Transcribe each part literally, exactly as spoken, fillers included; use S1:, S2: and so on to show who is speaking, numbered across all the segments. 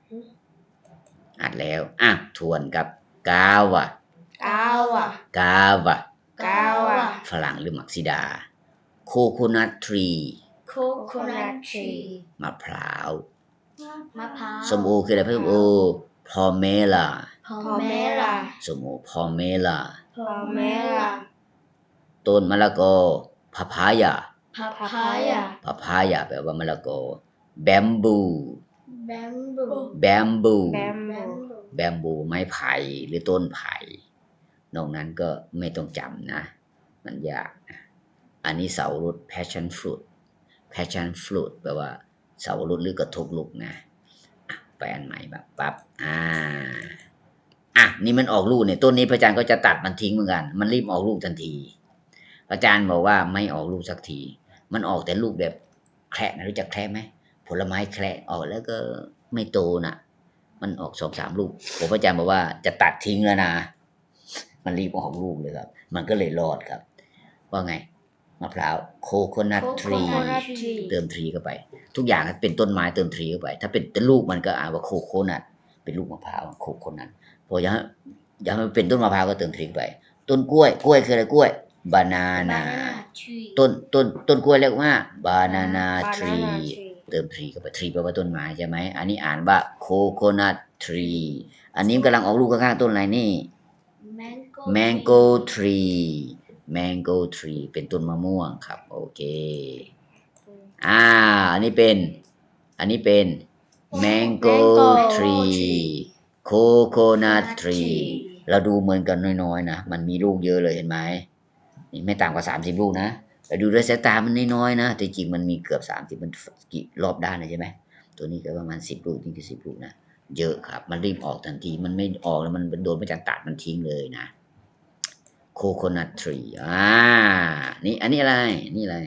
S1: อัดแล้วอ่ะทวนกับกาวะ
S2: กาวะ
S1: กาวะ
S2: กาวะ
S1: ฝรั่งหรือมักซิดาโคโคนัททรี
S2: โคโคนัททรี
S1: มะพร้าว
S2: มะพร้าว
S1: ส้มโอคืออะไรส้มโอพอเมล่า
S2: พอเมล่า
S1: ส้มโอพอเมล่า
S2: พอเมล่า
S1: ต้นมะละกอพาพายา
S2: พาพายา
S1: พาพายาแปลว่ามะละกอแบมบู
S2: แบมบู
S1: แบมบู
S2: แบมบู
S1: แบมบูไม้ไผ่หรือต้นไผ่นอกนั้นก็ไม่ต้องจำนะมันยากนะอันนี้เสารถ passion fruit passion fruit แปลว่าเสารถหรือกระทบลูกนะไปอันใหม่แบบปั๊บอ่าอ่ะนี่มันออกลูกเนี่ยต้นนี้พระอาจารย์ก็จะตัดมันทิ้งเหมือนกันมันรีบออกลูกทันทีพระอาจารย์บอกว่าไม่ออกลูกสักทีมันออกแต่ลูกแบบแคระนะรู้จักแคระไหมผลไม้แคระออกแล้วก็ไม่โตน่ะมันออกสองสามลูกผมพระอาจารย์บอกว่าจะตัดทิ้งแล้วนะมันรีบออกลูกเลยครับมันก็เลยรอดครับว่าไงมะพร้าวโคโคนัททรีเติมทรีเข้าไปทุกอย่างเป็นต้นไม้เติมทรีเข้าไปถ้าเป็นลูกมันก็อ่านว่าโคโคนัทเป็นลูกมะพร้าวโคโคนัทพออยากอยากให้มันเป็นต้นมะพร้าวก็เติมทรีเข้าไปต้นกล้วยกล้วยคืออะไรกล้วยบานานาต้นต้นต้นกล้วยเรียกว่าบานานาทรีเติมทรีเข้าไปทรีแปลว่าต้นไม้ใช่ไหมอันนี้อ่านว่าโคโคนัททรีอันนี้กำลังออกลูกข้างๆต้นอะไรนี่แมงโก้ทรีแมงโก้ทรีเป็นต้นมะม่วงครับโอเคอ่าอันนี้เป็นอันนี้เป็นแมงโก้ทรีโคโคนัททรีเราดูเหมือนกันน้อยๆนะมันมีลูกเยอะเลยเห็นไหมนี่ไม่ต่ำกว่าสามสิบลูกนะแต่ดูด้วยสายตามันน้อยๆนะแต่จริงมันมีเกือบสามสิบมันกี่รอบด้านเลยใช่ไหมตัวนี้ก็ประมาณสิบลูกนี่คือสิบลูกนะเยอะครับมันรีบออกทันทีมันไม่ออกแล้วมันโดนพระอาจารย์ตัดมันทิ้งเลยนะโคโคนัททรีอ่านี่อันนี้อะไรนี่อะไร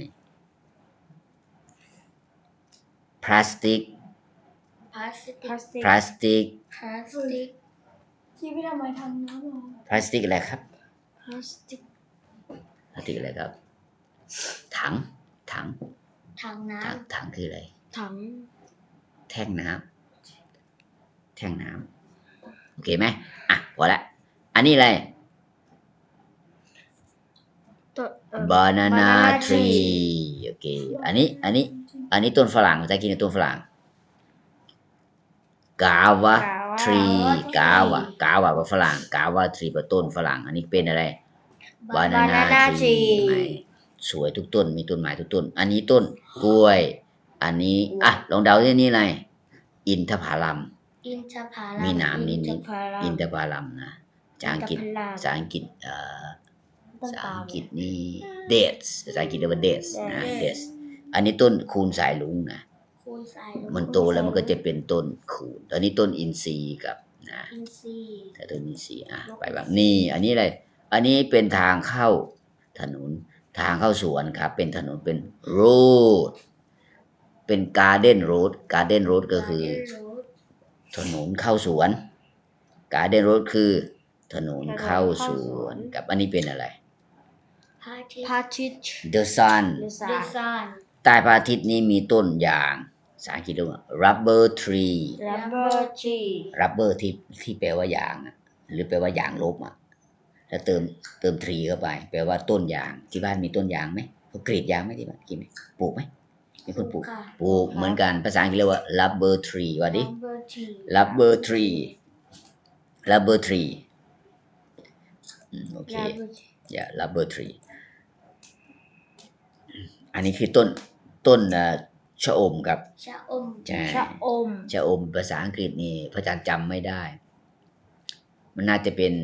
S1: พลาสติก
S2: พลาสติก
S1: พลาสติก
S2: พลาสติกที่พี่ทำไมทำน้ำหรอ
S1: พลาสติกอะไรครับ
S2: พลาสติก
S1: พลาสติกอะไรครับถังถัง
S2: ถังน้
S1: ถังถังคืออะไร
S2: ำถัง
S1: แท่งน้ำแท่งน้ำโอเคไหมอ่ะพอละอันนี้อะไร banana tree โอเคอันนี้อันนี้อันนี้ต้นฝรั่งภาษาอังกฤษต้นฝรั่ง gava tree gava gava ว่าฝรั่ง gava tree ว่าต้นฝรั่งอันนี้เป็นอะไร banana tree ไหมสวยทุกต้นมีต้นไม้ทุกต้นอันนี้ต้นกล้วยอันนี้อ่ะลองเดาที่นี่อะไรอินทผลัม
S2: อินทผลัม
S1: มีหนามนิด
S2: อิ
S1: ๆอินทผลัมนะภาษาอังกฤษภาษาอังกฤษเอ่อภาษาอังกฤษนี่ dates ภาษาอังกฤษเรียกว่า dates นะ dates อันนี้ต้นคูนสายลุงนะ
S2: คูณสายลง
S1: มันโตแล้วมันก็จะเป็นต้นคูนตอนนี้ต้นอินทรีย์กับนะ
S2: อินทรีย์
S1: แต่ต้นอินทรีย์อ่ะไปแบบนี่อันนี้อะไรอันนี้เป็นทางเข้าถนนทางเข้าสวนครับเป็นถนนเป็น road เป็น garden road garden road ก็คือถนนเข้าสวน garden road คือถนนเข้าสวนกับอันนี้เป็นอะไร
S2: พระอาทิตย์ พระอาทิตย์
S1: the sun
S2: The sun
S1: ใต้พระอาทิตย์นี้มีต้นยางภาษาอังกฤษเรียกว่า rubber tree
S2: Rubber tree
S1: rubber ที่ที่แปลว่ายางอะหรือแปลว่ายางลบอ่ะแล้วเติมเติม tree เข้าไปแปลว่าต้นยางที่บ้านมีต้นยางไหมเขากรีดยางไหมที่บ้านกินไหมปลูกไหมมีคนปลูกปลูกเหมือนกันภาษาอังกฤษเรียกว่า rubber tree ว่าดิ
S2: Rubber tree
S1: rubber tree rubber tree อืมโอเค
S2: Rubber tree
S1: อย่า rubber tree อันนี้คือต้นต้นชะอมครับ
S2: ชะอม
S1: ใช่
S2: ชะอม
S1: ชะอมภาษาอังกฤษนี่พระอาจารย์จำไม่ได้ มันน่าจะเป็น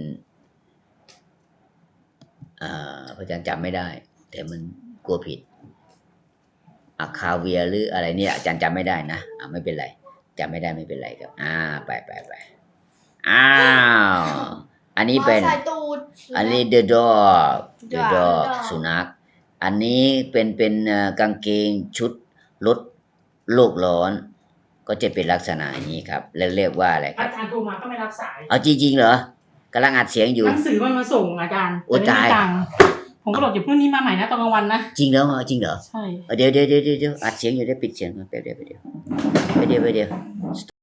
S1: อ่าพระอาจารย์จำไม่ได้ แต่มันกลัวผิดอะคาเวียหรืออะไรเนี่ยอาจารย์จำไม่ได้นะอ่าไม่เป็นไรจำไม่ได้ไม่เป็นไรครับอ่าไปไปไปอ้าวอันนี้เป็นอันนี้ the dog the dog สุนัขอันนี้เป็นเป็นกางเกงชุดลดโลกร้อนก็จะเป็นลักษณะอย่างนี้ครับแล้วเรียกว่าอะไรครับ
S3: อาจารย์โทรมาก็ไม่รับสาย
S1: เอาจริงๆเหรอกำลังอัดเสียงอยู่
S3: หนังสือมันมาส่งอาจารย์
S1: โอ้ตาย
S3: ผมก็บอกอยู่พรุ่งนี้มาใหม่นะตอนกลางวันนะ
S1: จริงเหรอจริงเหรอ
S3: ใช่
S1: เดี๋ยวเดี๋ยวเดี๋ยวเดี๋ยวอัดเสียงอยู่ได้ปิดเสียงก่อนแป๊บเดียวแป๊บเดียวแป๊บเดียวแป๊บเดียว